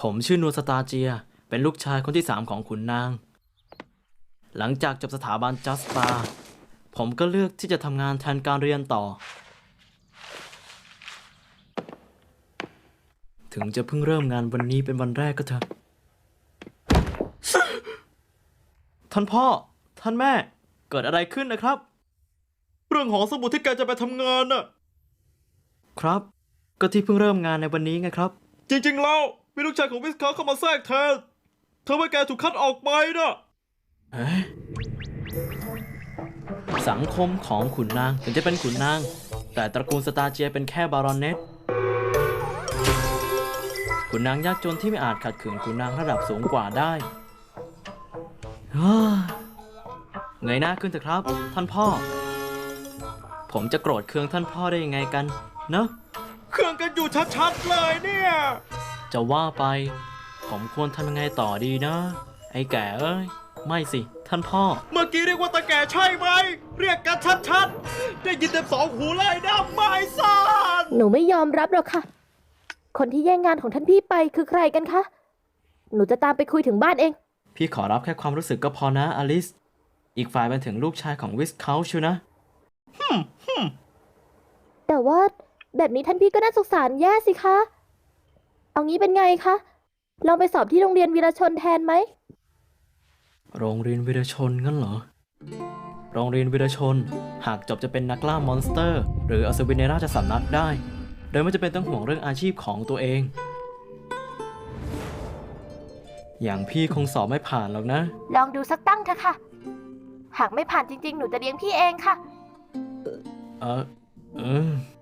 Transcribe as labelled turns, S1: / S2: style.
S1: ผมชื่อนัวสตาเจียเป็นลูกชายคนที่3ของขุนนางหลังจากจบสถาบันจัสตาผมก็เลือกที่จะทำงานแทนการเรียนต่อถึงจะเพิ่งเริ่มงานวันนี้เป็นวันแรกก็เถอะท่านพ่อท่านแม่เกิดอะไรขึ้นนะครับเรื่องหอสมุดที่แกจะไปทำงานน่ะครับก็ที่เพิ่งเริ่มงานในวันนี้ไงครับจริงๆแล้วมีลูกชายของวิสคาเข้ามาแทรกแทนเธอว่าแกถูกคัดออกไปนะสังคมของขุนนางถึงจะเป็นขุนนางแต่ตระกูลสตาเจียเป็นแค่บารอนเนตขุนนางยากจนที่ไม่อาจขัดขืนขุนนางระดับสูงกว่าได้เงยหน้าขึ้นเถอะครับท่านพ่อผมจะโกรธเคืองท่านพ่อได้ยังไงกันเนอะเคืองกันอยู่ชัดๆเลยเนี่ยจะว่าไปผมควรทำยังไงต่อดีนะไอ้แก่เอ้ยไม่สิท่านพ่อเมื่อกี้เรียกว่าตาแก่ใช่ไหมเรียกกันชัดๆได้ยินเต็มสองหูเลยนะไม่ซ่าน
S2: หนูไม่ยอมรับหรอกค่ะคนที่แย่งงานของท่านพี่ไปคือใครกันคะหนูจะตามไปคุยถึงบ้านเอง
S1: พี่ขอรับแค่ความรู้สึกก็พอนะอลิสอีกฝ่ายเป็นถึงลูกชายของวิสเขาชิวนะ
S2: แต่ว่าแบบนี้ท่านพี่ก็น่าสงสารแย่สิคะเอางี้เป็นไงคะลองไปสอบที่โรงเรียนวีรชนแทนไหม
S1: โรงเรียนวีรชนงั้นเหรอโรงเรียนวีรชนหากจบจะเป็นนักล่ามอนสเตอร์หรืออัศวินในราชสำนักได้โดยไม่จำเป็นต้องห่วงเรื่องอาชีพของตัวเองอย่างพี่คงสอบไม่ผ่านหรอกนะ
S2: ลองดูสักตั้งเถอะค่ะหากไม่ผ่านจริงๆหนูจะเลี้ยงพี่เองค่ะ